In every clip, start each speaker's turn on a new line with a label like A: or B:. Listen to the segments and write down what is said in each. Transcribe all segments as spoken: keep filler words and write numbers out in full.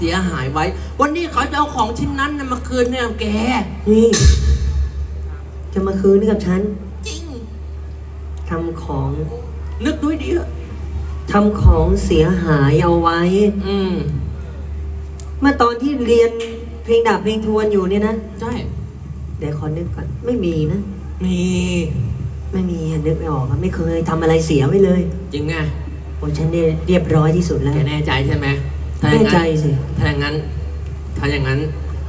A: เสียหายไว้วันนี้เขาจะเอาของชิ้นนั้นมาคืนเนี่ยแก
B: นี่จะมาคืนให้กับฉัน
A: จริง
B: ทำของ
A: นึกด้วยดิ
B: ทำของเสียหายเอาไว้
A: อืม
B: เมื่อตอนที่เรียนเพลงดาบเพลงทวนอยู่เนี่ยนะ
A: ใช่
B: เดี๋ยวขอนึกก่อนไม่มีนะ
A: มี
B: ไม่มีนึกไม่ออกไม่เคยทำอะไรเสียไว้เลย
A: จริงไง
B: โอ้ฉันเนี่ยเรียบร้อยที่สุดแล้ว
A: แกแน่ใจใช่ไหม
B: แน่ใจสิ
A: ถ้าอย่างนั้นถ้าอย่างนั้น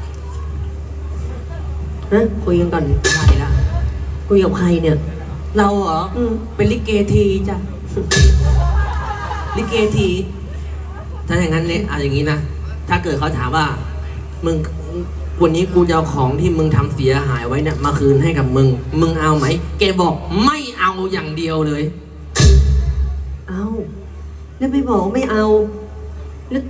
B: ฮะคุยกันก่อน
A: ใครล่ะ
B: คุยกับใครเนี่ย
A: เราเหรอเป็นลิเกทีจ้ะลิเกทีถ้าอย่างนั้นเนี่ยเอาอย่างนี้นะถ้าเกิดเขาถามว่ามึงวันนี้กูจะเอาของที่มึงทำเสียหายไว้เนี่ยมาคืนให้กับมึงมึงเอาไหมแกบอกไม่เอาอย่างเดียวเลย
B: เอาแล้วไม่บอกไม่เอาแล้ว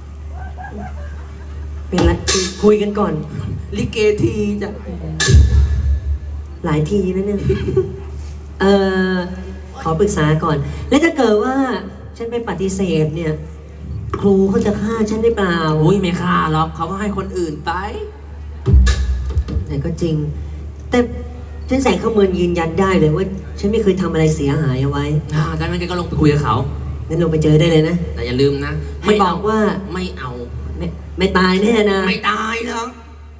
B: เป็นไรคุยกันก่อน
A: ลิเกทีจ้ะ
B: หลายทีนะเนี่ยเออขอปรึกษาก่อนแล้วถ้าเกิดว่าฉันไปปฏิเสธเนี่ยครูเขาจะฆ่าฉันได้เปล่า
A: อุ้ยไม่ฆ่าหรอกเขาก็ให้คนอื่นไป
B: แต่ก็จริงแต่ฉันแสงขมือนยืนยันได้เลยว่าฉันไม่เคยทำอะไรเสียหายเอาไว้
A: อ่าดังนั้นแกก็ลงไปคุยกับเขา
B: งั้นลงไปเจอได้เลยนะ
A: แต่อย่าลืมนะ
B: ไม่บอกว่า
A: ไม่เอา
B: ไม่ไม่ตายแน่นะ
A: ไม่ตายหรอก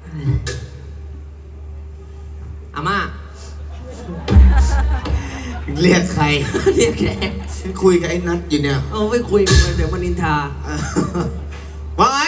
A: อาม่า
C: เรียกใคร
A: เรียกแก
C: ฉันคุยกับไอ้นัทอยู่เนี่ย
A: เออไม่คุยกันเดี๋ยวมันนินทา
C: ว่าไง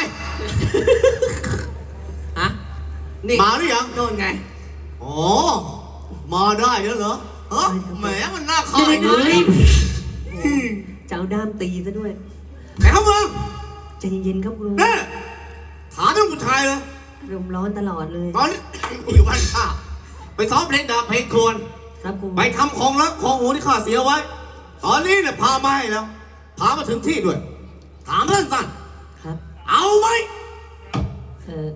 A: ฮะนี่
C: มาหรือยัง
A: โน่นไง
C: อ๋อมาได้แล้วเหรอเออแหมมันน่าขายเลย
B: เจ้าด้ามตีซะด้วย
C: ไอ้ข้ามึง
B: ใจเย็นๆครับครู
C: เนี่ยถามเรื่องผู้ชายเลย
B: รมร้อนตลอดเลย
C: ตอนนี้อยู่บ้านข้าไปซ้อมเพลงดาบเพลงโคลนไปทำของรักของหัวที่ข้าเสียไว้ตอนนี้เนี่ยพามาให้แล้วพามาถึงที่ด้วยถามสั้น
B: ๆครับ
C: เอาไหม
B: เออ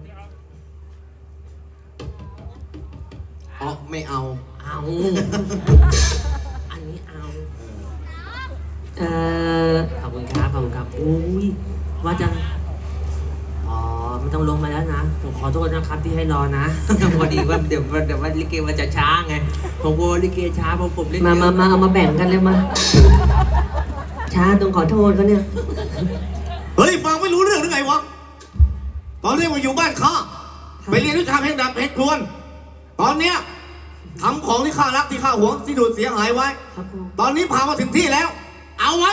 C: อ๋อไม่เอา
A: เอาอันนี้เอา
B: เออ
A: ขอบคุณครับขอบคุณครับอุ้ยว่าจะอ๋อไม่ต้องลงมาแล้วนะผมขอโทษนะครับที่ให้รอนะพอดีว่าเดี๋ยวเดี๋ยวว่าลิเกมันจะช้าไงผมกลัวลิเกช้าเพราะผมเล่น
B: มามามาเอามาแบ่งกันเลยมาช้าตรงขอโทษเขาเนี่ย
C: เฮ้ยฟังไม่รู้เรื่องหรือไงวะตอนนี้มาอยู่บ้านข้าไปเรียนวิชาเพลงดาบเพลงทวนตอนเนี้ยทำของที่ข้ารักที่ข้าหวงที่ดูดเสียหายไว้ตอนนี้พามาถึงที่แล้วเอาไว้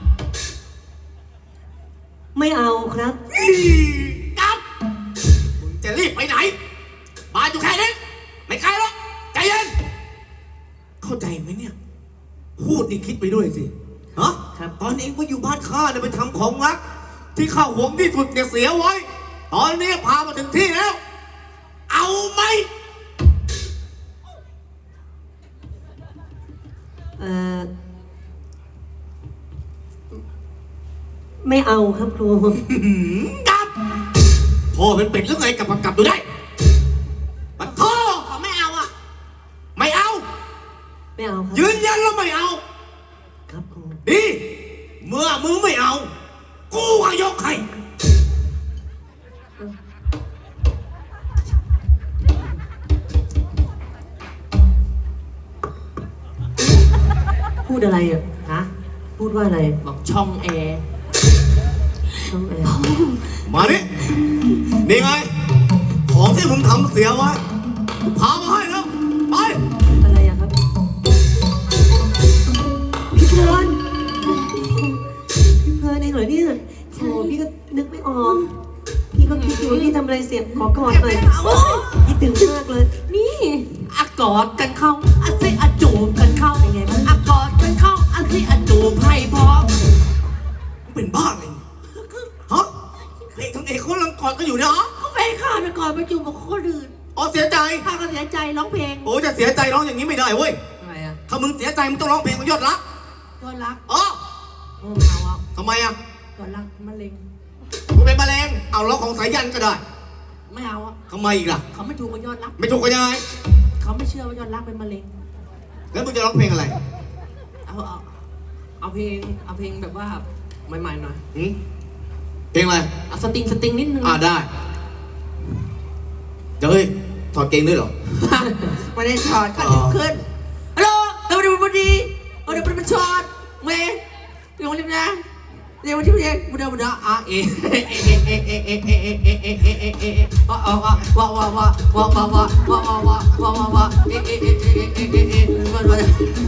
B: ไม่เอาครับ
C: กลับมึงจะรีบไปไหนบ้านอยู่แค่นี้ไม่ไกลหรอกใจเย็นเข้าใจไหมเนี่ยพูดนี่คิดไปด้วยสิฮะตอนเองมาอยู่บ้านข้าเนี่ยไปทำของรักที่ข้าหวงที่สุดเนี่ยเสียไว้ตอนนี้พามาถึงที่แล้วเอาไหม
B: เอ่อไม่เอาครับครู
C: กลับพ่อเป็นเป็ดหรือไงกลับกลับดูได้ปัดพ่อเขาไม่เอาอ่ะไม่เอา
B: ไม่เอาครับ
C: ยืนยันแล้วไม่เอา
B: ครับครู
C: ดีเมื่อมึงไม่เอากูก็ยกให้
B: พูดอะไรอ่ะ
A: ฮะ
B: พูดว่าอะไร
A: บอกช่องแอร์
B: ช่องแอร์
C: มาดินี่ไงของที่มึงทำเสียไว้พามาให้แล้วไป
B: อะไรอ่ะครับพี่เพลินพี่เพลินเองเหรอเนี่ยโอ้พี่ก็นึกไม่ออกพี่ก็คิดอยู่พี่ทำอะไรเสียขอกอดหน่อยคิดถึงมากเลย
A: นี่อากอดกันเข้าอาซิอาจูบกันเข้า
B: เป็นไงบ้าง
A: อากอดกันเข้าอาซิอาจูบให้พร้อม
C: เป็นบ้าเลยฮะเอกทั้งเอกเขาลังกอดกันอยู่เนี่ยฮะ
A: เขาแฟนข้าไปก่อนไปจูบกับคนอื่น
C: อ๋อเสียใจ
A: ข้าก็เสียใจร้องเพลง
C: โอ้จะเสียใจร้องอย่างนี้ไม่ได้เว้ย
A: ทำไมอ่ะ
C: ถ้ามึงเสียใจมึงต้องร้องเพลงของยอดรัก
A: ยอดรัก
C: อ๋อ
A: โอ้เอาอ่ะ
C: ทำไมอ่ะ
A: ยอดรักมะเร็ง
C: มึงเป็นมะเร็งเอาร้องของสายยันก็ได้
A: ไม่เอาอ่ะ
C: ทำไมอีกล่ะ
A: เขาไม่ถูกกับยอดรัก
C: ไม่ถูกกันยังไง
A: เขาไม่เชื่อว่ายอดรักเป็นมะเร็ง
C: แล้วมึงจะร้องเพลงอะไร
A: เอาเอาเอาเพลงเอาเพลงแบบว่าใหม่ๆหน่อย
C: หืมเพลงอะไร
A: เอาสติงสติงนิดนึง
C: อ่าได้เดี๋ยวเฮ้ยถอดเกงด้วยเหรอ
A: ไม่ได้ช็อตขึ้นขึ้นฮัลโหลเดี๋ยวเดี๋ยวพอดีเดี๋ยวเป็นช็อตเมย์เดี๋ยวเดี๋ยวนะเดี๋ยวที่เดี๋ยวเดี๋ยวเดี๋ยวอ่ะเอเอเอเอเอเอเอเอเอเอเอเอเอเอว้าวว้าวว้าวว้าวว้าวว้าวว้าวว้าวว้าวว้าวว้าวว้าวว้าวเอเอเอเอเอเอเอเอมันมัน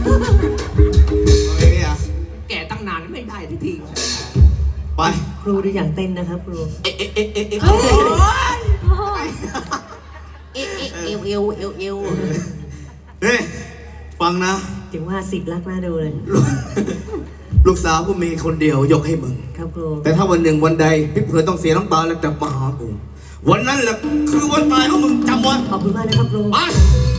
C: เพลงนี้อ่ะ
A: แก่ตั้งนานไม่ได้ทีที
C: ไป
B: ครูดูอยากเต้นนะครับครู
C: เอ๊ะเอ๊ะเอ๊ะเอ๊ะเอ๊ะ
A: เอ้ยเอเอเอวเอวเอวเอว
C: เฮ้ยฟังนะ
B: ถึงว่าสิบลักหน้าดูเลย
C: ลูกสาวกูมีคนเดียวยกให้มึง
B: ครับครู
C: แต่ถ้าวันหนึ่งวันใดพี่เพื่อนต้องเสียน้ำตาแล้วกลับมาหากูวันนั้นแหละคือวันตายของมึงจำไว้
B: ขอบคุณมากนะครับครู
C: ไป